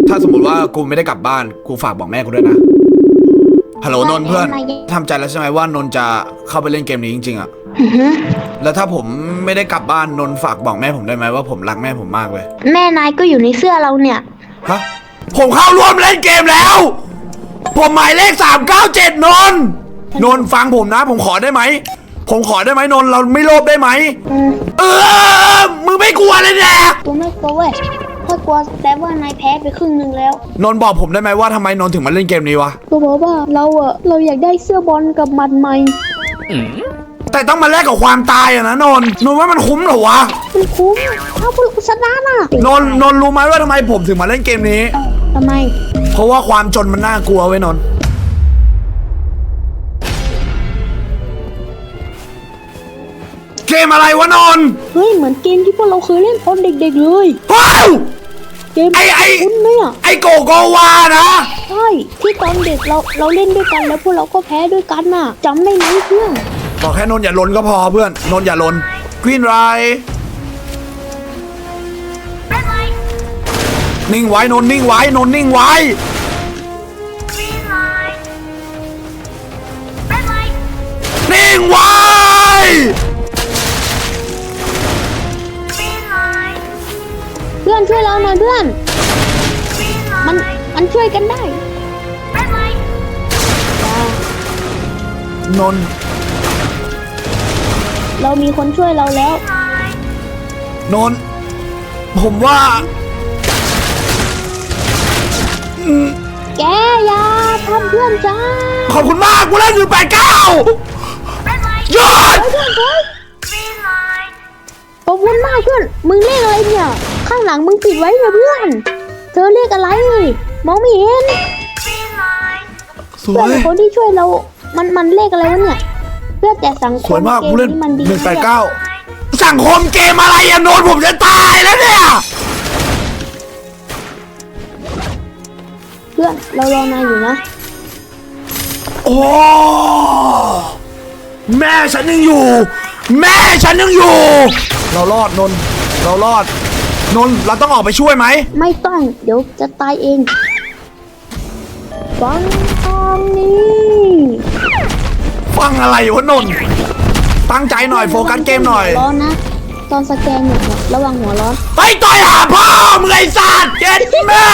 ถ้าสมมติว่ากูไม่ได้กลับบ้านกูฝากบอกแม่กูด้วยนะฮัลโหลนนท์เพื่อนทำใจแล้วใช่ไหมว่านนท์จะเข้าไปเล่นเกมนี้จริงๆอะแล้วถ้าผมไม่ได้กลับบ้านนนท์ฝากบอกแม่ผมได้ไหมว่าผมรักแม่ผมมากเลยแม่นายก็อยู่ในเสื้อเราเนี่ยฮะผมเข้าร่วมเล่นเกมแล้วผมหมายเลข397นนท์ฟังผมนะผมขอได้ไหมผมขอได้ไหมนนท์เราไม่โลภได้ไหมมึงไม่กลัวเลยเนี่ยกูไม่กลัวเว้ยถ้ากลัวแต่ว่านายแพ้ไปครึ่งนึงแล้วนนท์บอกผมได้ไหมว่าทำไมนนท์ถึงมาเล่นเกมนี้วะกูบอกว่าเราอยากได้เสื้อบอลกับหมัดใหม่แต่ต้องมาแลกกับความตายอะนะนนท์ว่ามันคุ้มเหรอวะมันคุ้มถ้าพวกเราชนะน่ะนนท์รู้ไหมว่าทำไมผมถึงมาเล่นเกมนี้ทำไมเพราะว่าความจนมันน่ากลัวเว้ยนนท์เกมอะไรวะนนท์เฮ้ยเหมือนเกมที่พวกเราเคยเล่นตอนเด็กๆเลยว้าวเกมคุ้นไหมอ่ะไอโกโกวานะใช่ที่ตอนเด็กเราเล่นด้วยกันแล้วพวกเราก็แพ้ด้วยกันน่ะจำได้ไหมเพื่อนบอกแค่นนท์อย่าลนก็พอเพื่อนนนท์อย่าลนกรีนไรนิ่งไว้นนท์นิ่งไว้นนท์นิ่งไว้นิ่งไว้เพื่อนช่วยเราหน่อยเพื่อนมันช่วยกันได้นนท์เรามีคนช่วยเราแล้วนนท์ผมว่าแกอย่าทำเพื่อนจ้าขอบคุณมากกูเล่นอยู่89ยอดขอบคุณมากเพื่อนมึงเลขอะไรเนี่ยข้างหลังมึงปิดไว้นะเพื่อนเธอเลขอะไรมองไม่เห็นสวยคนที่ช่วยเรามันเลขอะไรวะเนี่ยเพื่อแต่สังคมสวยมากกูเล่น 189 สังคมเกมอะไรอะโนนผมจะตายแล้วเนี่ยเพื่อนเรารอนายอยู่นะโอ้แม่ฉันยังอยู่แม่ฉันยังอยู่เรารอดนนเรารอดนนเราต้องออกไปช่วยไหมไม่ต้องเดี๋ยวจะตายเองฟังตอนนี้ฟังอะไรวะนนตั้งใจหน่อยโฟกัสเกมหน่อยร้อนนะตอนสแกนเนี่ยระวังหัวร้อนไปต่อยหาพ่อมึงไอ้สัตว์เจ็ดแม่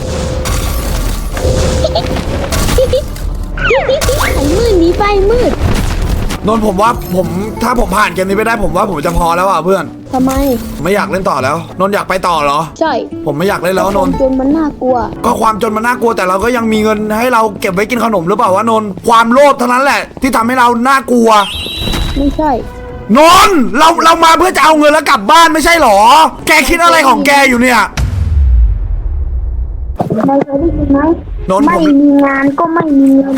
ไอ้มืดนี้ไปมืดนนผมว่าถ้าผมผ่านเกมนี้ไปได้ผมว่าผมจะพอแล้วอ่ะเพื่อนทำไมไม่อยากเล่นต่อแล้วนนอยากไปต่อเหรอใช่ผมไม่อยากเล่นแล้วนนจนมันน่ากลัวก็ความจนมันน่ากลัวแต่เราก็ยังมีเงินให้เราเก็บไว้กินขนมหรือเปล่าวะนนความโลภเท่านั้นแหละที่ทำให้เราน่ากลัวไม่ใช่นนเรามาเพื่อจะเอาเงินแล้วกลับบ้านไม่ใช่หรอแกคิดอะไรของแกอยู่เนี่ยนายเคยได้ยินไหมไม่มีงานก็ไม่มีเงิน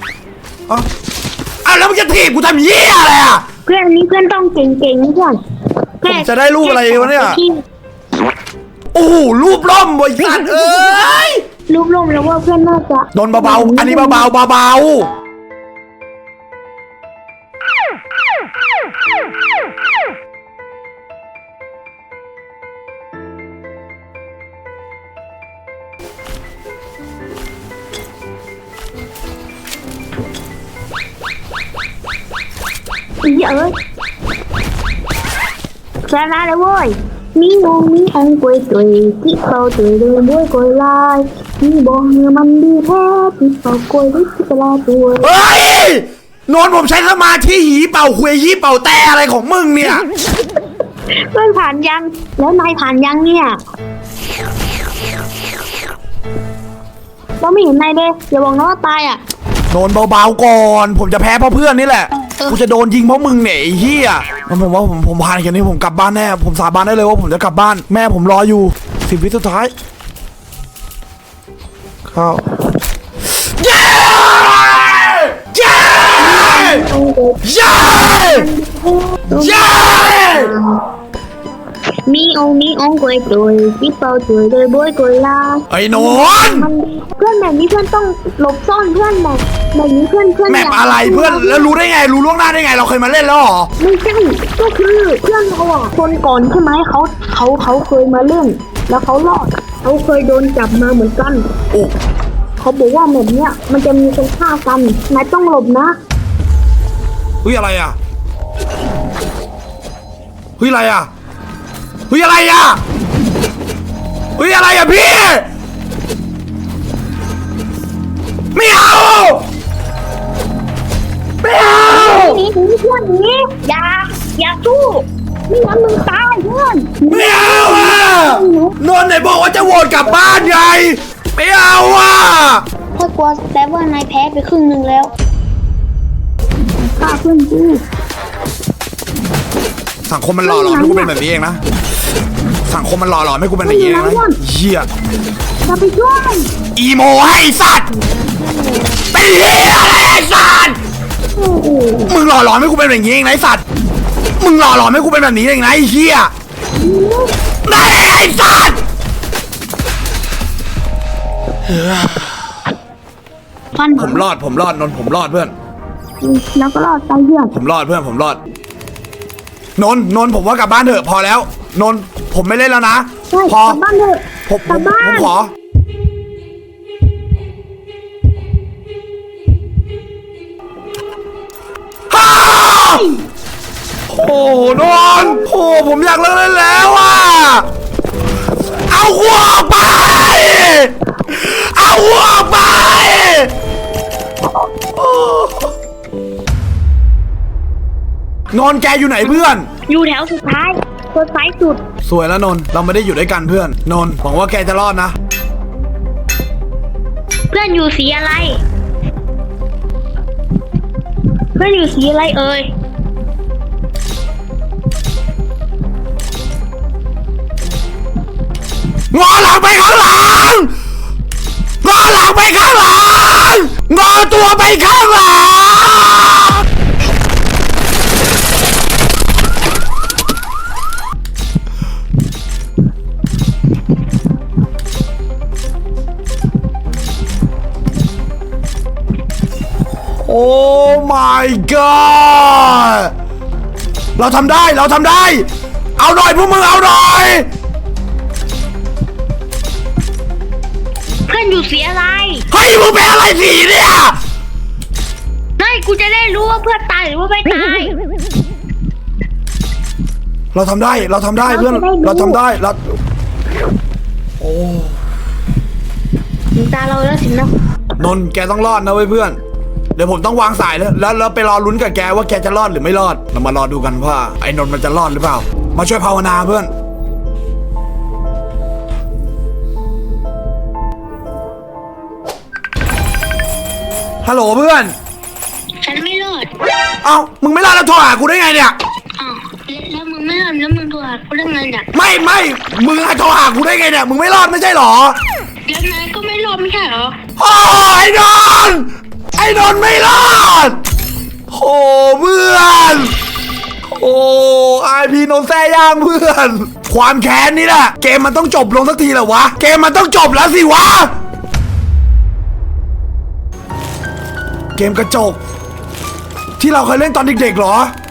แล้วมึงจะถีบกูทำเหี้ยอะไรอ่ะเพื่อนนี้เพื่อนต้องเก่งๆเพื่อนผมจะได้รูปอะไรวะเนี่ยโอ้โหรูปล่มบริษัทรูปล่มแล้วว่าเพื่อนน่าจะนนเบาๆอันนี้เบาเยอะชนะเลยเว้ยมีงงมีองกวยตุยที่เขาตุยเลยด้วยกวยลายมีบอกเนื้อมันดีแท้ที่เขากวยด้วยที่กลาตัวเฮ้ยนนผมใช้สมาธิหีเป่าคุยหีเป่าแต่อะไรของมึงเนี่ยเพื่อนผ่านยังแล้วนายผ่านยังเนี่ยเราไม่เห็นนายเลยอย่าบอกนะว่าตายอ่ะนนเบาๆก่อนผมจะแพ้เพราะเพื่อนนี่แหละกูจะโดนยิงเพราะมึงเนี่ยไอ้เหี้ยผมว่าผมผ่านแค่นี้ผมกลับบ้านแน่ผมสาบานได้เลยว่าผมจะกลับบ้านแม่ผมรออยู่10 วิสุดท้ายเข้าเย้เย้เย้เย้มีองกวยตุยที่เขาตุยเลยด้วยกวยลาไอ้นนเพื่อนแบบนี้เพื่อนต้องหลบซ่อนเพื่อนแบบนี้เพื่อนแมปอะไรเพื่อนแล้วรู้ได้ไงรู้ล่วงหน้าได้ไงเราเคยมาเล่นแล้วหรอไม่ใช่ก็คือเพื่อนเราอ่ะคนก่อนใช่ไหมเขาเคยมาเล่นแล้วเขารอดเขาเคยโดนจับมาเหมือนกันโอ้เขาบอกว่าแบบเนี้ยมันจะมีคนฆ่ากันนายต้องหลบนะเฮ้ยอะไรอ่ะเฮ้ยอะไรอ่ะเฮ้ยอะไรอ่ะเฮ้ยอะไรอ่ะพี่ไม่เอาไม่เอาหนีเพื่อนหนีอย่าสู้ไม่งั้นมึงตายเพื่อนไม่เอาอ่ะนนท์ไหนบอกว่าจะโหวตกลับบ้านไงไม่เอาอ่ะถ้ากลัวแต่ว่านายแพ้ไปครึ่งหนึ่งแล้วฆ่าเพื่อนกูสังคมมันหล่อหลอมให้กูเป็นแบบนี้เองนะสังคมมันหล่อหลอมให้กูเป็นแบบนี้เองนะเหี้ยจะไปช่วยอีโมให้สัตว์เป็นเหี้ยอะไรไอ้สัตว์โอ้โหมึงหล่อหลอมให้กูเป็นแบบนี้เองนะไอ้สัตว์มึงหล่อหลอมให้กูเป็นแบบนี้เองนะไอ้เหี้ยได้ไอ้สัตว์ฟันผมรอดนนท์ผมรอดเพื่อนแล้วก็รอดตายเพื่อนผมรอดเพื่อนผมรอดนนท์ผมว่ากลับบ้านเถอะพอแล้วนนท์ผมไม่เล่นแล้วนะใช่พอกลับบ้านเถอะผมกลับบ้านขอฮ่าโอ้นนท์โอ้ผมอยากเลิกเล่นแล้วอ่ะเอาหัวออกไปเอาหัวออกไปโอ้นนท์แกอยู่ไหนเพื่อนอยู่แถวสุดท้ายคนซ้ายสุดสวยแล้วนนท์เราไม่ได้อยู่ด้วยกันเพื่อนนนท์หวังว่าแกจะรอดนะเพื่อนอยู่สีอะไร เพื่อนอยู่สีอะไรเอ่ยงอหลังไปข้างหลังงอหลังไปข้างหลังงอตัวไปข้างหลังโอ้ my god เราทำได้เอาหน่อยพวกมึงเอาหน่อยเพื่อนอยู่สีอะไรเฮ้ยมึงเป็นอะไรสีเนี่ยไม่กูจะได้รู้ว่าเพื่อนตายหรือว่าไม่ตายเราทำได้เพื่อนเราทำได้เราโอ้ถึงตาเราแล้วสินะนนท์แกต้องรอดนะเว้ยเพื่อนเดี๋ยวผมต้องวางสายแล้วไปรอลุ้นกับแกว่าแกจะรอดหรือไม่รอดเรามารอดูกันว่าไอ้นนท์มันจะรอดหรือเปล่ามาช่วยภาวนาเพื่อนฮัลโหลเพื่อนฉันไม่รอดเอ้ามึงไม่รอดแล้วโทรหากูได้ไงเนี่ยอ้าวแล้วมึงไม่รอดแล้วมึงโทรหากูได้ไงเนี่ยไม่มึงโทรหากูได้ไงเนี่ยมึงไม่รอดไม่ใช่หรอแล้วนายก็ไม่รอดไม่ใช่เหรอโอ้ไอ้นนท์ไม่รอดโอ้เพื่อนโอ้ไอพีนนท์แซ่ย่างเพื่อน ความแค้นนี่แหละเกมมันต้องจบลงสักทีแหละวะเกมมันต้องจบแล้วสิวะเกมกระจกที่เราเคยเล่นตอนเด็กๆเหรอ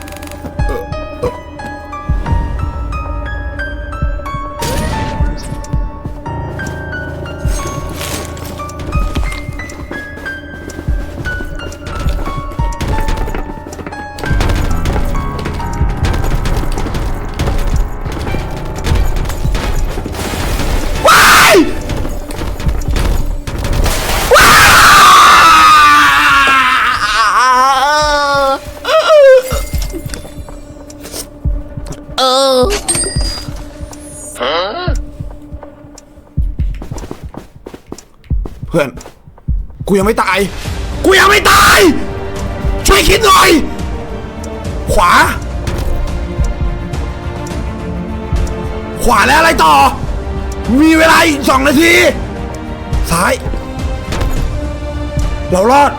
เพื่อนกูยังไม่ตายช่วยคิดหน่อยขวาแล้วอะไรต่อมีเวลาอีก2 นาทีซ้ายเรารอด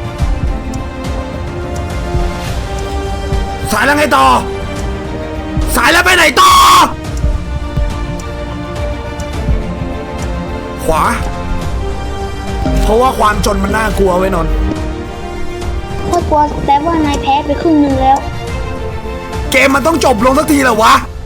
ซ้ายแล้วไงต่อซ้ายแล้วไปไหนต่อขวาเพราะว่าความจนมันน่ากลัวไว้นนท์ถ้ากลัวแต่ว่านายแพ้ไปครึ่งหนึ่งแล้วเกมมันต้องจบลงสักทีแหละวะ